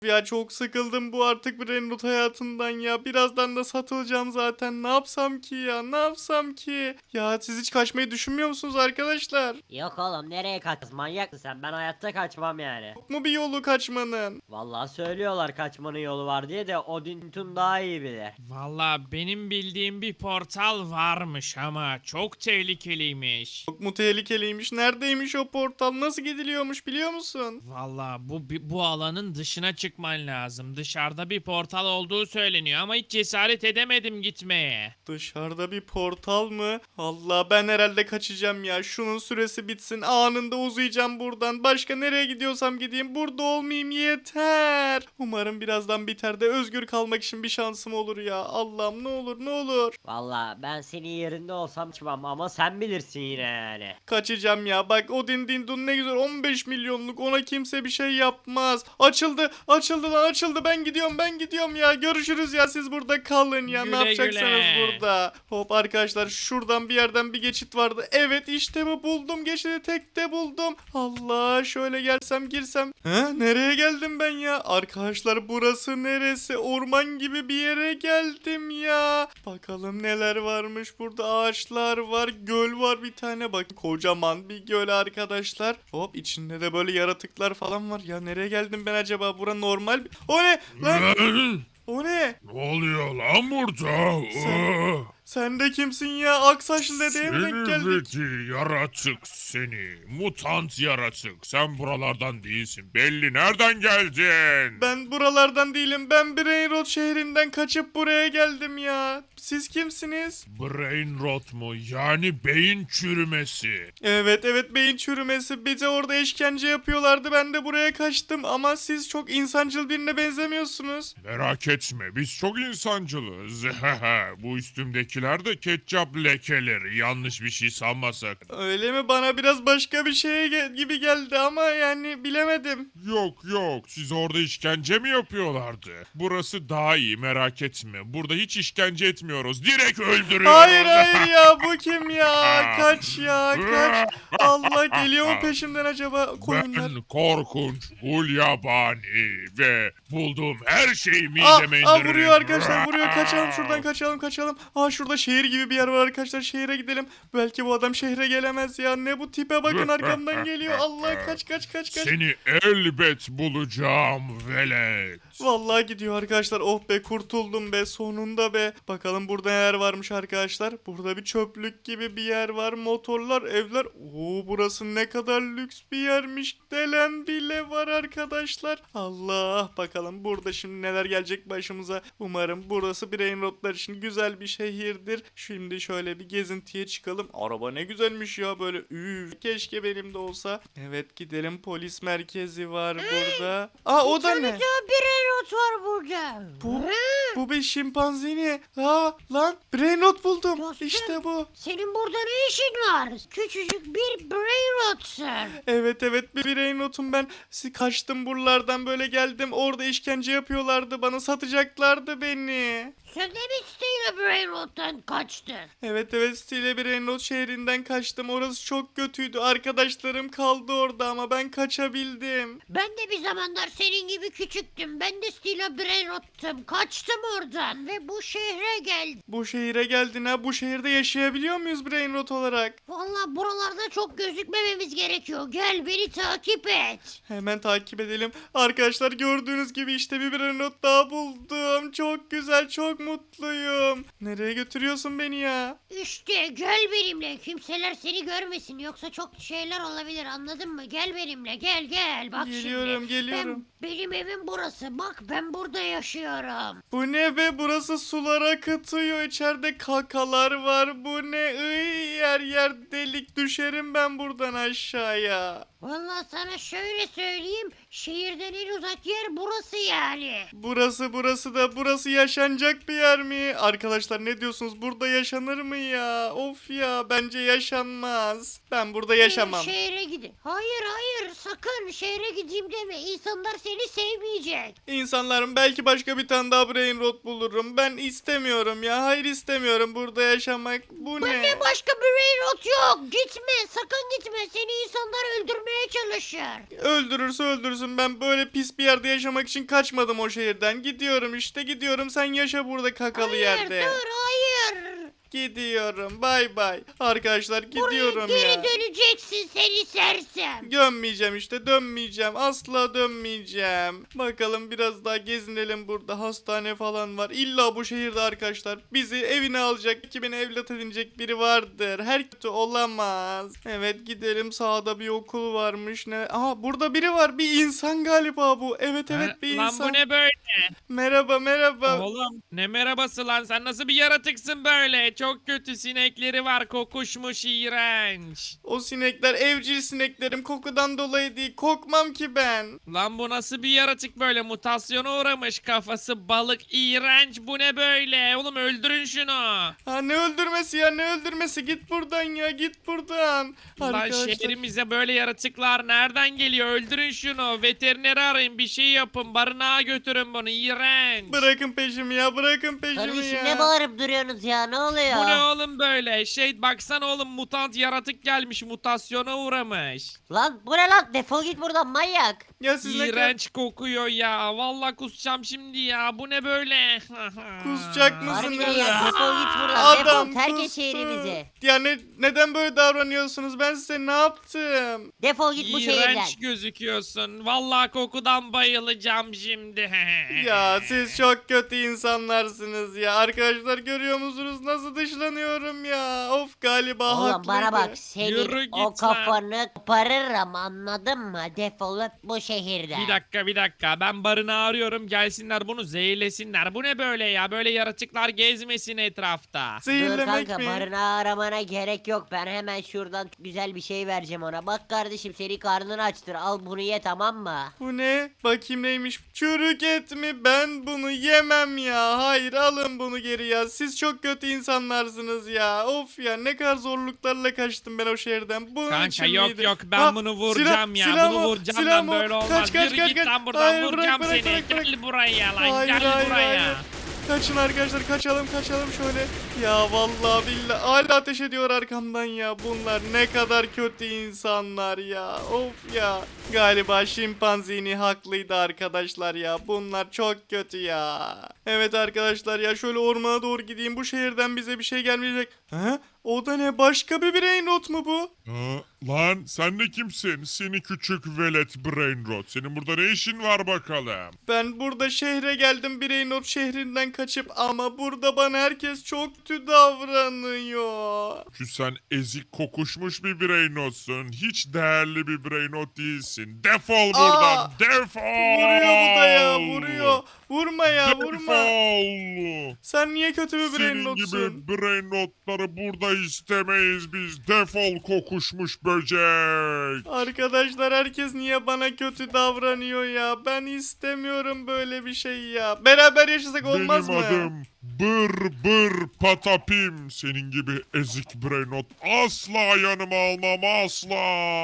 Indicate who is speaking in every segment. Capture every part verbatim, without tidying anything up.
Speaker 1: Ya çok sıkıldım bu artık Brainrot hayatından ya. Birazdan da satılacağım zaten. Ne yapsam ki ya? Ne yapsam ki? Ya siz hiç kaçmayı düşünmüyor musunuz arkadaşlar?
Speaker 2: Yok oğlum nereye kaçacağız, manyak mısın sen? Ben hayatta kaçmam yani.
Speaker 1: Yok mu bir yolu kaçmanın?
Speaker 2: Vallahi söylüyorlar kaçmanın yolu var diye de Odin Tun daha iyi bilir.
Speaker 3: Valla benim bildiğim bir portal varmış ama çok tehlikeliymiş.
Speaker 1: Çok mu tehlikeliymiş? Neredeymiş o portal? Nasıl gidiliyormuş biliyor musun?
Speaker 3: Valla bu bi- bu alanın dışına çıkman lazım. Dışarıda bir portal olduğu söyleniyor ama hiç cesaret edemedim gitmeye.
Speaker 1: Dışarıda bir portal mı? Allah ben herhalde kaçacağım ya. Şunun süresi bitsin. Anında uzayacağım buradan. Başka nereye gidiyorsam gideyim. Burada olmayayım yeter. Umarım birazdan biter de özgür kalmak için bir şansım olur ya. Allah'ım ne olur ne olur.
Speaker 2: Vallahi ben senin yerinde olsam çıkmam ama sen bilirsin yine yani.
Speaker 1: Kaçacağım ya. Bak o din din dun ne güzel on beş milyonluk, ona kimse bir şey yapmaz. Açıldı açıldı lan açıldı, ben gidiyorum ben gidiyorum ya. Görüşürüz ya, siz burada kalın ya.
Speaker 3: Güle
Speaker 1: Ne yapacaksınız
Speaker 3: güle.
Speaker 1: burada? Hop arkadaşlar, şuradan bir yerden bir geçit vardı. Evet işte bu, buldum geçidi, tekte buldum. Allah, şöyle gelsem girsem. He, nereye geldim ben ya? Arkadaşlar burası neresi? Orman gibi bir yere geldim ya. Bakalım neler varmış burada. Ağaçlar var, göl var bir tane, bak kocaman bir göl arkadaşlar. Hop, içinde de böyle yaratıklar falan var. Ya nereye geldim ben acaba? Bura normal bir... O ne lan? O ne?
Speaker 4: Ne oluyor lan burada?
Speaker 1: Sen-
Speaker 4: Aa!
Speaker 1: Sen de kimsin ya? Aksaçlı dedeye mi denk
Speaker 4: Seni
Speaker 1: geldik?
Speaker 4: zeki yaratık seni. Mutant yaratık. Sen buralardan değilsin. Belli, nereden geldin?
Speaker 1: Ben buralardan değilim. Ben Brainrot şehrinden kaçıp buraya geldim ya. Siz kimsiniz?
Speaker 4: Brain rot mu? Yani beyin çürümesi.
Speaker 1: Evet evet, beyin çürümesi. Bize orada işkence yapıyorlardı. Ben de buraya kaçtım. Ama siz çok insancıl birine benzemiyorsunuz.
Speaker 4: Merak etme, biz çok insancılız. Bu üstümdekiler de ketçap lekeleri. Yanlış bir şey sanma sakın.
Speaker 1: Öyle mi? Bana biraz başka bir şey ge- gibi geldi ama yani bilemedim.
Speaker 4: Yok yok, siz orada işkence mi yapıyorlardı? Burası daha iyi, merak etme. Burada hiç işkence etmiyoruz. Direkt öldürüyoruz.
Speaker 1: Hayır hayır ya, bu kim ya? Kaç ya kaç. Allah, geliyor mu peşimden acaba koyunlar?
Speaker 4: Ben korkunç, hulyabani ve bulduğum her şeyi
Speaker 1: Aa,
Speaker 4: mideme
Speaker 1: aa,
Speaker 4: indiririm.
Speaker 1: vuruyor arkadaşlar, vuruyor. Kaçalım şuradan, kaçalım kaçalım. Aa, şurada şehir gibi bir yer var arkadaşlar, şehre gidelim. Belki bu adam şehre gelemez ya. Ne bu tipe bakın, arkamdan geliyor. Allah, kaç kaç kaç kaç.
Speaker 4: Seni elbet bulacağım velet.
Speaker 1: Vallahi gidiyor arkadaşlar. Oh be, kurtuldum be, sonunda be. Bakalım burada neler varmış arkadaşlar. Burada bir çöplük gibi bir yer var. Motorlar, evler. Oo, burası ne kadar lüks bir yermiş. Delen bile var arkadaşlar. Allah, bakalım burada şimdi neler gelecek başımıza. Umarım burası Brainrotlar için güzel bir şehirdir. Şimdi şöyle bir gezintiye çıkalım. Araba ne güzelmiş ya böyle. Üf, keşke benim de olsa. Evet, gidelim, polis merkezi var burada. Aa, o da ne?
Speaker 5: Brainrot var burada.
Speaker 1: Bu, bu bir şimpanzini. Aa, lan Brainrot buldum.
Speaker 5: Dostum.
Speaker 1: İşte bu.
Speaker 5: Senin burada ne işin var? Küçücük bir Brainrot'sun.
Speaker 1: Evet evet, bir Brainrot'um ben. Si- Kaçtım buralardan, böyle geldim. Orada işkence yapıyorlardı. Bana satacaklardı beni.
Speaker 5: Sen de mi Steel Brainrot'tan kaçtın?
Speaker 1: Evet evet, Stile Brainrot şehrinden kaçtım. Orası çok kötüydü. Arkadaşlarım kaldı orada ama ben kaçabildim.
Speaker 5: Ben de bir zamanlar senin gibi küçüktüm. Ben de Steel Brainrot'tum. Kaçtım oradan ve bu şehre geldim.
Speaker 1: Bu şehire geldin ha. Bu şehirde yaşayabiliyor muyuz Brainrot olarak?
Speaker 5: Vallahi buralarda çok gözükmememiz gerekiyor. Gel beni takip et.
Speaker 1: Hemen takip edelim. Arkadaşlar gördüğünüz gibi işte bir Brainrot daha buldum. Çok güzel, çok mutluyum. Nereye götürüyorsun beni ya?
Speaker 5: İşte gel benimle. Kimseler seni görmesin. Yoksa çok şeyler olabilir, anladın mı? Gel benimle, gel gel. Bak
Speaker 1: Geliyorum,
Speaker 5: şimdi.
Speaker 1: geliyorum.
Speaker 5: Ben, benim evim burası. Bak ben burada yaşıyorum.
Speaker 1: Bu ne be? Burası sular akıtıyor. İçeride kakalar var. Bu ne? Iy, yer yer delik, düşerim ben buradan aşağıya.
Speaker 5: Vallahi sana şöyle söyleyeyim. Şehirden en uzak yer burası yani.
Speaker 1: Burası burası da burası yaşanacak bir yer mi? Arkadaşlar ne diyorsunuz? Burada yaşanır mı ya? Of ya, bence yaşanmaz. Ben burada yaşamam.
Speaker 5: Ee, şehre gidin. Hayır hayır, sakın şehre gideyim deme. İnsanlar seni sevmeyecek.
Speaker 1: İnsanlarım, belki başka bir tane daha Brainrot bulurum. Ben istemiyorum ya. Hayır, istemiyorum burada yaşamak. Bu ne?
Speaker 5: Ne başka bir Brainrot yok. Gitme, sakın gitme. Seni insanlar öldürmeye öldürmeye çalışır.
Speaker 1: Öldürürse öldürsün, ben böyle pis bir yerde yaşamak için kaçmadım o şehirden. Gidiyorum işte, gidiyorum, sen yaşa burada kakalı
Speaker 5: Hayır
Speaker 1: yerde.
Speaker 5: dur hayır.
Speaker 1: Gidiyorum, bay bay. Arkadaşlar gidiyorum
Speaker 5: Buraya
Speaker 1: ya.
Speaker 5: geri döneceksin seni sersem.
Speaker 1: Dönmeyeceğim işte, dönmeyeceğim, asla dönmeyeceğim. Bakalım biraz daha gezinelim, burada hastane falan var. İlla bu şehirde arkadaşlar bizi evine alacak, iki beni evlat edinecek biri vardır. Her kötü olamaz. Evet gidelim, sağda bir okul varmış. Ne? Aha burada biri var, bir insan galiba bu. Evet evet
Speaker 3: Ha,
Speaker 1: bir
Speaker 3: lan
Speaker 1: insan.
Speaker 3: bu ne böyle?
Speaker 1: Merhaba merhaba.
Speaker 3: Oğlum ne merhabası lan, sen nasıl bir yaratıksın böyle? Çok kötü sinekleri var, kokuşmuş, iğrenç.
Speaker 1: O sinekler evcil sineklerim, kokudan dolayı değil, kokmam ki ben.
Speaker 3: Lan bu nasıl bir yaratık böyle, mutasyona uğramış, kafası balık, iğrenç, bu ne böyle? Oğlum öldürün şunu.
Speaker 1: Ha ne öldürmesi ya, ne öldürmesi, git buradan ya, git buradan.
Speaker 3: Lan
Speaker 1: Arkadaşlar,
Speaker 3: şehrimize böyle yaratıklar nereden geliyor? Öldürün şunu, veterineri arayın, bir şey yapın, barınağa götürün bunu, iğrenç.
Speaker 1: bırakın peşimi ya, bırakın peşimi
Speaker 2: Kardeşim
Speaker 1: ya.
Speaker 2: ne bağırıp duruyorsunuz ya, ne oluyor?
Speaker 3: Bu ne oğlum böyle? Şey baksana oğlum, mutant yaratık gelmiş, mutasyona uğramış.
Speaker 2: Lan bu ne lan, defol git buradan manyak.
Speaker 1: Ya siz ne kadar
Speaker 3: İğrenç kokuyor ya. Vallahi kusacağım şimdi ya. Bu ne böyle?
Speaker 1: Kusacak mısın?
Speaker 2: Harbiden ya, defol git buradan,
Speaker 1: Adam
Speaker 2: defol, terk et
Speaker 1: kustu.
Speaker 2: şehrimizi.
Speaker 1: Ya ne, neden böyle davranıyorsunuz? Ben size ne yaptım?
Speaker 2: Defol git bu şehirden.
Speaker 3: İğrenç gözüküyorsun. Vallahi kokudan bayılacağım şimdi.
Speaker 1: Ya siz çok kötü insanlarsınız ya. Arkadaşlar görüyor musunuz nasıl dışlanıyorum ya? Of, galiba
Speaker 2: Oğlum
Speaker 1: haklıydı.
Speaker 2: bana bak,
Speaker 3: Yürü
Speaker 2: senin
Speaker 3: git
Speaker 2: o
Speaker 3: lan.
Speaker 2: kafanı koparırım, anladın mı? Defolup bu şehirden.
Speaker 3: Bir dakika bir dakika, ben barınağı arıyorum, gelsinler bunu zehirlesinler. Bu ne böyle ya, böyle yaratıklar gezmesin etrafta.
Speaker 2: Dur
Speaker 1: Zehirlemek
Speaker 2: kanka,
Speaker 1: mi?
Speaker 2: barınağı aramana gerek yok. Ben hemen şuradan güzel bir şey vereceğim ona. Bak kardeşim, seni karnını açtır. Al bunu ye, tamam mı?
Speaker 1: Bu ne? Bakayım neymiş? Çürük et mi? Ben bunu yemem ya. Hayır, alın bunu geri ya. Siz çok kötü insanlarsınız ya. Of ya, ne kadar zorluklarla kaçtım ben o şehirden. Bunun
Speaker 3: Kanka
Speaker 1: için
Speaker 3: yok
Speaker 1: miydi?
Speaker 3: yok, ben
Speaker 1: Ha,
Speaker 3: bunu vuracağım
Speaker 1: silah-
Speaker 3: ya.
Speaker 1: silah
Speaker 3: Bunu
Speaker 1: mı?
Speaker 3: vuracağım
Speaker 1: Silah
Speaker 3: ben,
Speaker 1: mı?
Speaker 3: böyle olmaz.
Speaker 1: Kaç, kaç,
Speaker 3: Yürü
Speaker 1: kaç,
Speaker 3: git
Speaker 1: kaç.
Speaker 3: lan buradan,
Speaker 1: Hayır, bırak,
Speaker 3: vuracağım
Speaker 1: bırak,
Speaker 3: seni.
Speaker 1: bırak, bırak.
Speaker 3: Gel buraya lan,
Speaker 1: Hayır,
Speaker 3: gel
Speaker 1: hayır,
Speaker 3: buraya.
Speaker 1: hayır. Kaçın arkadaşlar, kaçalım kaçalım şöyle. Ya vallahi billahi hala ateş ediyor arkamdan ya. Bunlar ne kadar kötü insanlar ya. Of ya. Galiba şimpanzini haklıydı arkadaşlar ya. Bunlar çok kötü ya. Evet arkadaşlar ya, şöyle ormana doğru gideyim. Bu şehirden bize bir şey gelmeyecek. He? O da ne? Başka bir brain rot mu bu?
Speaker 4: Ha, lan sen de kimsin? Seni küçük velet Brainrot. Senin burada ne işin var bakalım?
Speaker 1: Ben burada şehre geldim, Brainrot şehrinden kaçıp, ama burada bana herkes çok kötü davranıyor.
Speaker 4: Çünkü sen ezik kokuşmuş bir Brainrot'sun. Hiç değerli bir Brainrot değilsin. Defol buradan.
Speaker 1: Aa!
Speaker 4: Defol.
Speaker 1: Vuruyor bu da ya, vuruyor. Vurma ya, vurma.
Speaker 4: Defol.
Speaker 1: Sen niye kötü bir
Speaker 4: Senin
Speaker 1: Brainrot'sun?
Speaker 4: gibi brainrotları burada istemeyiz biz. Defol kokuşmuş böcek.
Speaker 1: Arkadaşlar herkes niye bana kötü davranıyor ya? Ben istemiyorum böyle bir şey ya. Beraber yaşasak olmaz
Speaker 4: Benim
Speaker 1: mı?
Speaker 4: adım Bır Bır Patapim. Senin gibi ezik brainrot asla yanıma almam, asla.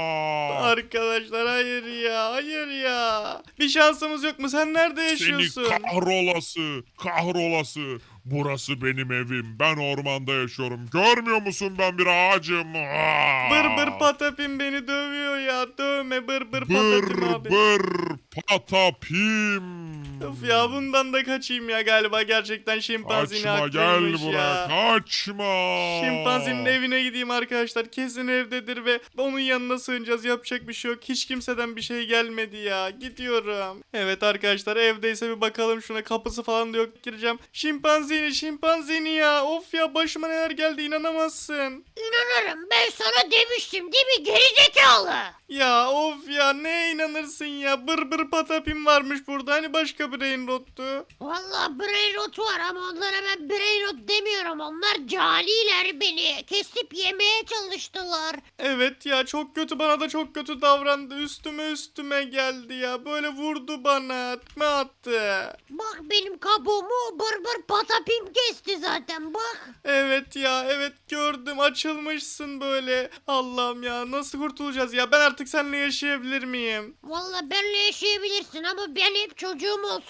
Speaker 1: Arkadaşlar hayır ya, hayır ya. Bir şansımız yok mu? Sen nerede yaşıyorsun?
Speaker 4: Seni kahrolası, kahrolası. Burası benim evim. Ben ormanda yaşıyorum. Görmüyor musun, ben bir ağacım. Aa!
Speaker 1: Bır bır patapim beni dövüyor ya. Dövme bır bır
Speaker 4: Bır
Speaker 1: patapim abi.
Speaker 4: bır patapim.
Speaker 1: Of ya, bundan da kaçayım ya, galiba gerçekten şimpanzini
Speaker 4: Kaçma, gel
Speaker 1: haklıymış
Speaker 4: buraya.
Speaker 1: ya.
Speaker 4: Kaçma.
Speaker 1: Şimpanzinin evine gideyim arkadaşlar. Kesin evdedir ve onun yanına sığınacağız. Yapacak bir şey yok. Hiç kimseden bir şey gelmedi ya. Gidiyorum. Evet arkadaşlar, evdeyse bir bakalım şuna. Kapısı falan da yok. Gireceğim. Şimpanzini, şimpanzini ya. Of ya, başıma neler geldi, inanamazsın.
Speaker 5: İnanırım, ben sana demiştim değil mi gerizekalı?
Speaker 1: Ya of ya, ne inanırsın ya. Bır bır patapim varmış burada. Hani başka bir Brainrot'tu.
Speaker 5: Valla brainrot var ama onlara ben brainrot demiyorum. Onlar caniler, beni kesip yemeye çalıştılar.
Speaker 1: Evet ya, çok kötü, bana da çok kötü davrandı. Üstüme üstüme geldi ya. Böyle vurdu bana. Tekme attı.
Speaker 5: Bak benim kabuğumu bır bır patapim kesti zaten bak.
Speaker 1: Evet ya, evet gördüm, açılmışsın böyle. Allah'ım ya, nasıl kurtulacağız ya? Ben artık seninle yaşayabilir miyim?
Speaker 5: Valla benle yaşayabilirsin ama ben hep çocuğum olsun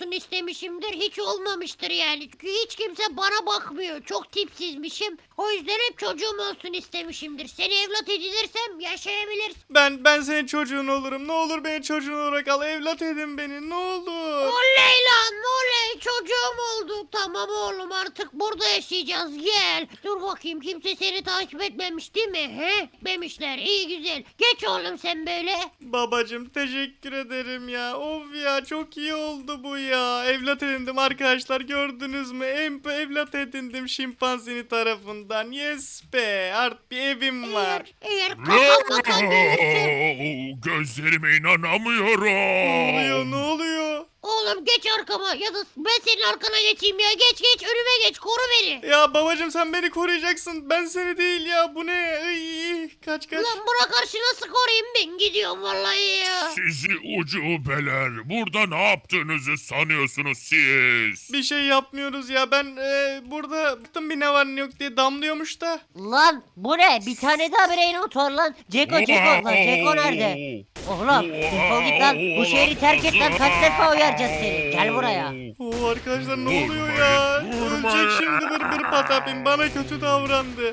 Speaker 5: olsun istemişimdir. Hiç olmamıştır yani. Çünkü hiç kimse bana bakmıyor. Çok tipsizmişim. O yüzden hep çocuğum olsun istemişimdir. Seni evlat edinirsem yaşayabilirsin.
Speaker 1: Ben ben senin çocuğun olurum. Ne olur beni çocuğun olarak al. Evlat edin beni. Ne olur.
Speaker 5: Oley lan oley çocuğum oldu. Tamam oğlum artık burada yaşayacağız gel. Dur bakayım kimse seni takip etmemiş değil mi? He? Etmemişler iyi güzel. Geç oğlum sen böyle.
Speaker 1: Babacım teşekkür ederim ya. Of ya çok iyi oldu bu ya. Evlat edindim arkadaşlar gördünüz mü? Em evlat edindim şimpanzini tarafından. Yes be. Artık bir evim var.
Speaker 5: Eğer, eğer kafam bakan gelirse.
Speaker 4: Gözlerime
Speaker 1: Ne
Speaker 4: inanamıyorum.
Speaker 1: oluyor ne oluyor?
Speaker 5: Oğlum geç arkama ya da ben senin arkana geçeyim ya. Geç geç önüme geç koru beni.
Speaker 1: Ya babacım sen beni koruyacaksın. Ben seni değil ya. Bu ne? Iy, kaç kaç.
Speaker 5: Ulan buna karşı nasıl koruyayım ben gidiyorum vallahi ya.
Speaker 4: Sizi ucubeler. Burada ne yaptığınızı sanıyorsunuz siz?
Speaker 1: Bir şey yapmıyoruz ya. Ben e, burada baktım bir ne var ne yok diye damlıyormuş da.
Speaker 2: Lan bu ne? Bir tane daha Brainrot var lan. Ceko Ceko lan. Ceko nerede? Oğlum defol git lan. Bu şehri terk et lan. Kaç defa uyaracağız seni. Gel buraya.
Speaker 1: Oo arkadaşlar ne oluyor ya?
Speaker 4: Vurmayın,
Speaker 1: Ölecek şimdi bır bır patapim. Bana kötü davrandı.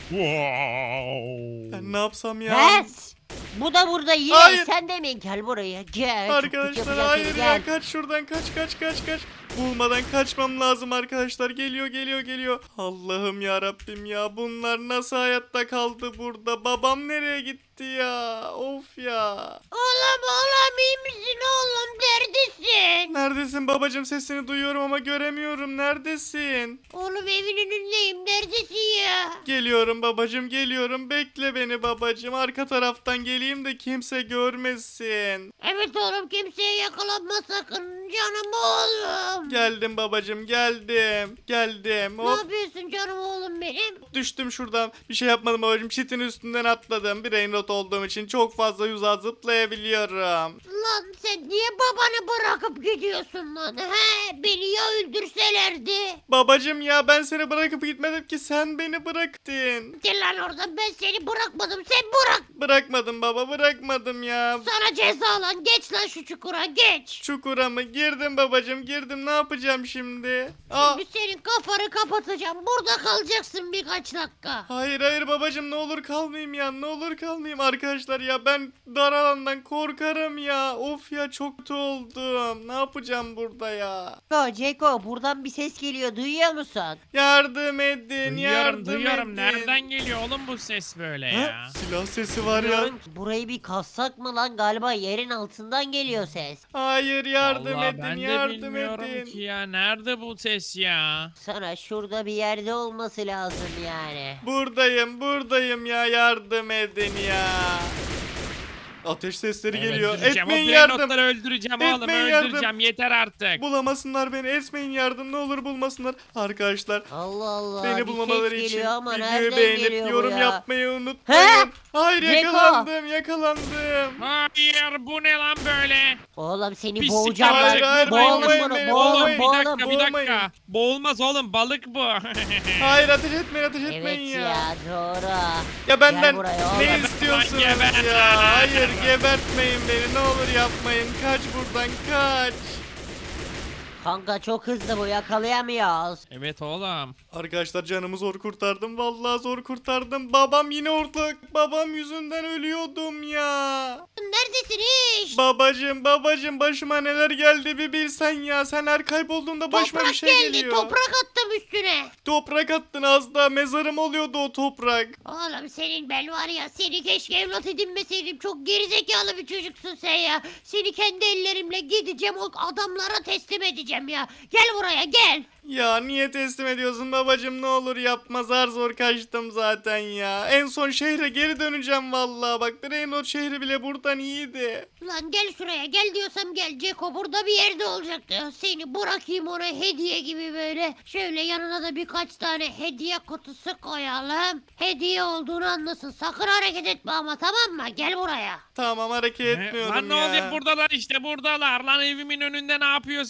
Speaker 4: Wow.
Speaker 1: Ben ne yapsam ya?
Speaker 2: He? Bu da burada yine.
Speaker 1: Hayır.
Speaker 2: Sen de mi? Gel buraya. Gel. Çok kötü
Speaker 1: Arkadaşlar
Speaker 2: yapacağım
Speaker 1: hayır
Speaker 2: seni,
Speaker 1: ya
Speaker 2: gel.
Speaker 1: kaç şuradan kaç kaç kaç kaç. Bulmadan kaçmam lazım arkadaşlar. Geliyor geliyor geliyor. Allah'ım ya Rabbim ya. Bunlar nasıl hayatta kaldı burada? Babam nereye gitti ya? Of ya.
Speaker 5: Oğlum oğlum iyi misin oğlum neredesin?
Speaker 1: Neredesin babacım? Sesini duyuyorum ama göremiyorum. Neredesin?
Speaker 5: Oğlum evin önündeyim neredesin ya?
Speaker 1: Geliyorum babacım geliyorum. Bekle beni babacım. Arka taraftan geleyim de kimse görmesin.
Speaker 5: Evet oğlum kimseye yakalanma sakın canım oğlum.
Speaker 1: Geldim babacım geldim. Geldim.
Speaker 5: Ne
Speaker 1: Hop.
Speaker 5: yapıyorsun canım oğlum benim?
Speaker 1: Düştüm şuradan. Bir şey yapmadım babacım. Çitin üstünden atladım. Brainrot olduğum için çok fazla uzağa zıplayabiliyorum.
Speaker 5: Lan sen niye babanı bırakıp gidiyorsun lan? He beni ya öldürselerdi?
Speaker 1: Babacım ya ben seni bırakıp gitmedim ki sen beni bıraktın.
Speaker 5: Gel lan oradan ben seni bırakmadım sen bırak.
Speaker 1: Bırakmadım baba bırakmadım ya.
Speaker 5: Sana ceza lan geç lan şu çukura geç.
Speaker 1: Çukura mı? Girdim babacım girdim. Ne yapacağım şimdi? Aa.
Speaker 5: Şimdi senin kafanı kapatacağım. Burada kalacaksın birkaç dakika.
Speaker 1: Hayır hayır babacım ne olur kalmayayım ya ne olur kalmayayım arkadaşlar ya ben dar alandan korkarım ya of ya çok kötü oldum ne yapacağım burada ya
Speaker 2: Ceko Ceko buradan bir ses geliyor. Duyuyor musun?
Speaker 1: yardım edin
Speaker 3: Duyuyorum
Speaker 1: yardım
Speaker 3: duyuyorum.
Speaker 1: edin.
Speaker 3: Nereden geliyor oğlum bu ses böyle
Speaker 1: Ha?
Speaker 3: ya?
Speaker 1: Silah sesi var ya
Speaker 2: Bilmiyorum ki, burayı bir kassak mı lan? Galiba yerin altından geliyor ses.
Speaker 1: hayır yardım
Speaker 3: Vallahi
Speaker 1: edin
Speaker 3: ben de
Speaker 1: yardım
Speaker 3: bilmiyorum
Speaker 1: edin
Speaker 3: ki ya. Nerede bu ses ya?
Speaker 2: Sana şurada bir yerde olması lazım yani.
Speaker 1: buradayım buradayım ya yardım edin ya ateş sesleri
Speaker 3: Evet,
Speaker 1: geliyor
Speaker 3: öldüreceğim.
Speaker 1: etmeyin
Speaker 3: O
Speaker 1: yardım
Speaker 3: Brainrot'ları öldüreceğim oğlum
Speaker 1: Etmeyin yardım.
Speaker 3: öldüreceğim. Yeter artık.
Speaker 1: bulamasınlar beni etmeyin yardım ne olur bulmasınlar arkadaşlar
Speaker 2: Allah Allah.
Speaker 1: Beni
Speaker 2: bir
Speaker 1: bulmamaları
Speaker 2: ses
Speaker 1: için
Speaker 2: geliyor ama
Speaker 1: videoyu
Speaker 2: nereden
Speaker 1: beğenip
Speaker 2: geliyor bu
Speaker 1: yorum
Speaker 2: ya?
Speaker 1: yapmayı unutmayın.
Speaker 2: He?
Speaker 1: Hayır
Speaker 2: Ceko.
Speaker 1: yakalandım yakalandım.
Speaker 3: Hayır bu ne lan böyle?
Speaker 2: Oğlum seni
Speaker 3: Pislik
Speaker 2: boğacağım lan.
Speaker 1: Hayır, hayır,
Speaker 2: Boğalım
Speaker 1: boğulmayın
Speaker 2: bunu.
Speaker 1: beni,
Speaker 2: Boğalım
Speaker 1: boğulmayın.
Speaker 3: Bir
Speaker 2: boğalım.
Speaker 3: dakika bir
Speaker 1: boğulmayın.
Speaker 3: dakika. Boğulmaz oğlum balık bu.
Speaker 1: Hayır ateş etmeyin ateş etmeyin
Speaker 2: Evet
Speaker 1: ya.
Speaker 2: ya doğru.
Speaker 1: Ya benden
Speaker 2: Gel buraya
Speaker 1: ne
Speaker 2: oğlum.
Speaker 1: istiyorsunuz
Speaker 3: Geber.
Speaker 1: ya? Hayır gebertmeyin beni ne olur yapmayın. Kaç buradan kaç.
Speaker 2: Kanka çok hızlı bu yakalayamıyoruz.
Speaker 3: Evet oğlum.
Speaker 1: Arkadaşlar canımı zor kurtardım. Vallahi zor kurtardım. Babam yine ortak. Babam yüzünden ölüyordum ya.
Speaker 5: Neredesin iş?
Speaker 1: Babacım babacım başıma neler geldi bir bilsen ya. Sen her kaybolduğunda başıma
Speaker 5: Toprak
Speaker 1: bir şey
Speaker 5: geldi
Speaker 1: geliyor.
Speaker 5: toprak attım üstüne.
Speaker 1: Toprak attın az daha mezarım oluyordu o toprak.
Speaker 5: Oğlum senin ben var ya seni keşke evlat edinmeseydim. Çok gerizekalı bir çocuksun sen ya. Seni kendi ellerimle gideceğim o adamlara teslim edeceğim ya. Gel buraya gel.
Speaker 1: Ya niye teslim ediyorsun babacım ne olur yapma zar zor kaçtım zaten ya. En son şehre geri döneceğim vallahi bak Brainrot şehri bile buradan iyiydi.
Speaker 5: Lan gel şuraya gel diyorsam gel. Ceko burada bir yerde olacaktı. Seni bırakayım ona hediye gibi böyle. Şöyle yanına da birkaç tane hediye kutusu koyalım. Hediye olduğunu anlasın. Sakın hareket etme ama tamam mı? Gel buraya.
Speaker 1: Tamam hareket
Speaker 3: Ne?
Speaker 1: etmiyorum
Speaker 3: Lan ne
Speaker 1: ya.
Speaker 3: oluyor buradalar işte buradalar. Lan evimin önünde ne yapıyorsunuz?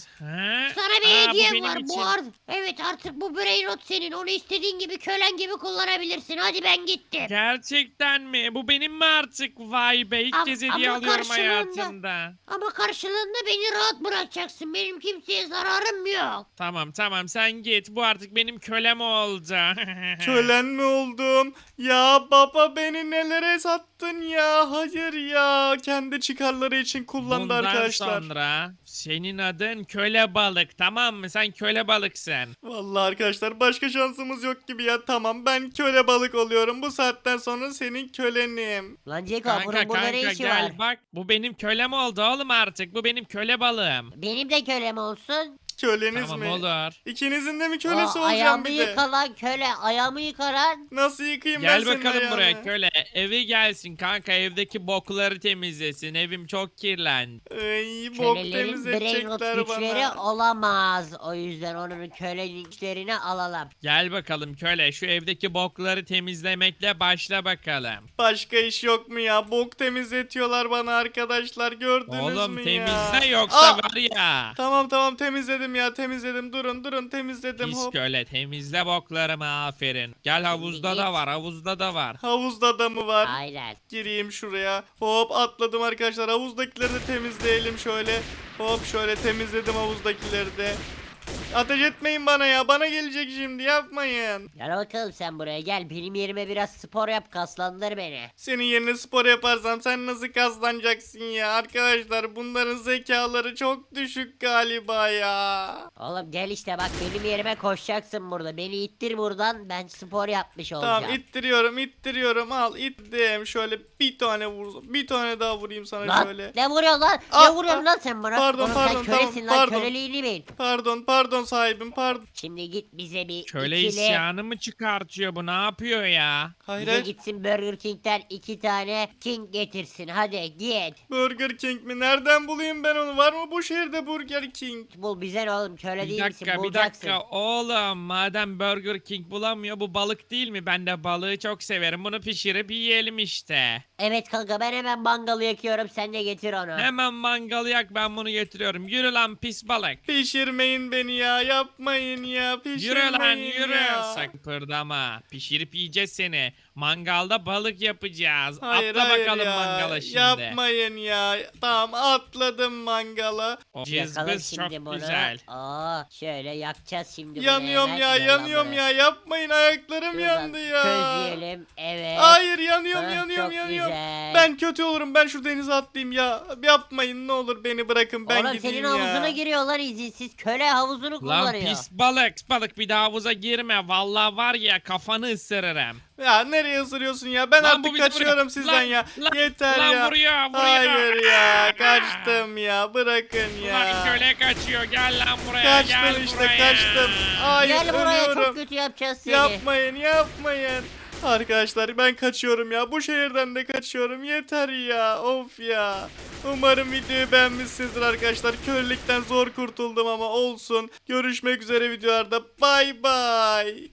Speaker 3: Ha?
Speaker 5: Sana bir
Speaker 3: Aa, bu
Speaker 5: hediyem
Speaker 3: benim
Speaker 5: var
Speaker 3: için.
Speaker 5: bu ar- Evet artık bu Brainrot senin. Onu istediğin gibi kölen gibi kullanabilirsin. Hadi ben gittim.
Speaker 3: Gerçekten mi? Bu benim mi artık? Vay be ilk
Speaker 5: Ama-
Speaker 3: kez hediye
Speaker 5: ama
Speaker 3: alıyorum
Speaker 5: karşılığında-
Speaker 3: hayatımda.
Speaker 5: Ama karşılığında beni rahat bırakacaksın. Benim kimseye zararım yok.
Speaker 3: Tamam tamam sen git. Bu artık benim kölem oldu.
Speaker 1: Kölen mi oldum? Ya baba beni nelere sattın ya? Hayır ya. Kendi çıkarları için kullandı
Speaker 3: Bundan
Speaker 1: arkadaşlar.
Speaker 3: sonra senin adın köle balık tamam mı? Sen köle balıksın.
Speaker 1: Vallahi arkadaşlar başka şansımız yok gibi ya. Tamam ben köle balık oluyorum. Bu saatten sonra senin kölenim.
Speaker 2: Lan Ceko
Speaker 3: Kanka
Speaker 2: bunun burada ne
Speaker 3: kanka
Speaker 2: işi
Speaker 3: gel
Speaker 2: var?
Speaker 3: bak. Bu benim kölem oldu oğlum artık. Bu benim köle balığım.
Speaker 2: Benim de kölem olsun.
Speaker 1: Köleniz
Speaker 3: Tamam
Speaker 1: mi?
Speaker 3: olur.
Speaker 1: İkinizin de mi
Speaker 2: O
Speaker 1: kölesi olacağım
Speaker 2: ayağımı
Speaker 1: bir de?
Speaker 2: yıkalan köle. Ayağımı yıkaran.
Speaker 1: Nasıl yıkayayım ben
Speaker 3: Gel
Speaker 1: senin
Speaker 3: bakalım
Speaker 1: ayağını?
Speaker 3: buraya köle. Evi gelsin kanka evdeki bokları temizlesin. Evim çok kirlendi.
Speaker 1: Ay bok
Speaker 2: Kölelerin Brainrot
Speaker 1: temizletecekler
Speaker 2: güçleri
Speaker 1: bana.
Speaker 2: olamaz. O yüzden onun köle güçlerini alalım.
Speaker 3: Gel bakalım köle şu evdeki bokları temizlemekle başla bakalım.
Speaker 1: Başka iş yok mu ya? Bok temizletiyorlar bana arkadaşlar. Gördünüz
Speaker 3: Oğlum
Speaker 1: mü ya?
Speaker 3: temizle yoksa
Speaker 1: Aa!
Speaker 3: var ya.
Speaker 1: Tamam tamam temizledim ya temizledim. Durun durun temizledim.
Speaker 3: Pis
Speaker 1: Hop.
Speaker 3: köle temizle boklarımı aferin. Gel havuzda
Speaker 2: git.
Speaker 3: da var havuzda da var.
Speaker 1: Havuzda da mı var?
Speaker 2: Aynen.
Speaker 1: Gireyim şuraya. Hop atladım arkadaşlar. Havuzdakileri de temizleyelim şöyle. Hop şöyle temizledim havuzdakileri de. Ateş etmeyin bana ya. Bana gelecek şimdi yapmayın.
Speaker 2: Gel bakalım sen buraya gel. Benim yerime biraz spor yap, kaslandır beni.
Speaker 1: Senin yerine spor yaparsam sen nasıl kaslanacaksın ya? Arkadaşlar bunların zekaları çok düşük galiba ya.
Speaker 2: Oğlum gel işte bak benim yerime koşacaksın burada. Beni ittir buradan, ben spor yapmış olacağım.
Speaker 1: Tamam ittiriyorum ittiriyorum al ittim. Şöyle bir tane vur. Bir tane daha vurayım sana
Speaker 2: Lan
Speaker 1: şöyle.
Speaker 2: ne vuruyorsun lan?
Speaker 1: Aa,
Speaker 2: ne vuruyorsun
Speaker 1: aa,
Speaker 2: lan sen bana?
Speaker 1: pardon,
Speaker 2: Oğlum
Speaker 1: pardon,
Speaker 2: sen kölesin
Speaker 1: tamam,
Speaker 2: lan,
Speaker 1: pardon.
Speaker 2: köleliğini bil.
Speaker 1: Pardon pardon sahibim pardon.
Speaker 2: Şimdi git bize bir
Speaker 3: Köle
Speaker 2: ikili...
Speaker 3: isyanı mı çıkartıyor bu ne yapıyor ya?
Speaker 1: Hayır
Speaker 2: Bize
Speaker 1: hayır.
Speaker 2: gitsin Burger King'den iki tane King getirsin. Hadi git.
Speaker 1: Burger King mi? Nereden bulayım ben onu? Var mı bu şehirde Burger King?
Speaker 2: Bul bize ne oğlum, köle
Speaker 3: Bir
Speaker 2: değil misin?
Speaker 3: dakika bir
Speaker 2: Bulacaksın.
Speaker 3: dakika oğlum madem Burger King bulamıyor bu balık değil mi? Ben de balığı çok severim bunu pişirip yiyelim işte.
Speaker 2: Evet kanka ben hemen mangalı yakıyorum, sen de getir onu.
Speaker 3: Hemen mangalı yak ben bunu getiriyorum. Yürü lan pis balık.
Speaker 1: Pişirmeyin beni ya. Yapmayın ya. Pişirmeyin
Speaker 3: Yürü lan yürü.
Speaker 1: ya.
Speaker 3: Sakın pırdama. Pişirip yiyeceğiz seni. Mangalda balık yapacağız.
Speaker 1: Hayır
Speaker 3: Atla
Speaker 1: hayır
Speaker 3: bakalım
Speaker 1: ya.
Speaker 3: mangala şimdi.
Speaker 1: Yapmayın ya. Tamam atladım mangala.
Speaker 3: O
Speaker 2: Yakalım
Speaker 3: cızbız
Speaker 2: şimdi
Speaker 3: çok
Speaker 2: bunu.
Speaker 3: güzel.
Speaker 2: Aa, şöyle yakacağız şimdi bunu
Speaker 1: Yanıyorum
Speaker 2: hemen.
Speaker 1: ya
Speaker 2: Gel lan
Speaker 1: yanıyorum
Speaker 2: buraya.
Speaker 1: ya. Yapmayın ayaklarım
Speaker 2: Şuradan
Speaker 1: yandı ya.
Speaker 2: Közleyelim. Evet.
Speaker 1: Hayır yanıyorum
Speaker 2: Hah,
Speaker 1: yanıyorum
Speaker 2: çok
Speaker 1: yanıyorum.
Speaker 2: güzel.
Speaker 1: Ben kötü olurum. Ben şu denize atlayayım ya. Yapmayın ne olur beni bırakın ben
Speaker 2: Oğlum
Speaker 1: gideyim
Speaker 2: senin
Speaker 1: ya.
Speaker 2: havuzuna giriyorlar izinsiz. Köle havuzunu
Speaker 3: Lan
Speaker 2: kullanıyor.
Speaker 3: pis balık pis balık bir daha havuza girme. Vallahi var ya kafanı ısırırım.
Speaker 1: Ya nereye ısırıyorsun ya? Ben
Speaker 3: Lan bu
Speaker 1: artık
Speaker 3: bizi
Speaker 1: kaçıyorum
Speaker 3: vuruyor.
Speaker 1: sizden
Speaker 3: Lan,
Speaker 1: ya.
Speaker 3: lan,
Speaker 1: Yeter
Speaker 3: lan
Speaker 1: ya.
Speaker 3: vuruyor, vuruyor.
Speaker 1: Hayır ya.
Speaker 3: Aa.
Speaker 1: Kaçtım ya. Bırakın ya.
Speaker 3: Lan köle kaçıyor gel lan buraya
Speaker 1: Kaçtım
Speaker 3: gel
Speaker 1: işte
Speaker 3: buraya.
Speaker 1: kaçtım. Hayır
Speaker 2: Gel buraya,
Speaker 1: ölüyorum.
Speaker 2: çok kötü yapacağız seni.
Speaker 1: Yapmayın yapmayın. Arkadaşlar ben kaçıyorum ya. Bu şehirden de kaçıyorum. Yeter ya. Of ya. Umarım videoyu beğenmişsinizdir arkadaşlar. Kölelikten zor kurtuldum ama olsun. Görüşmek üzere videolarda. Bay bay.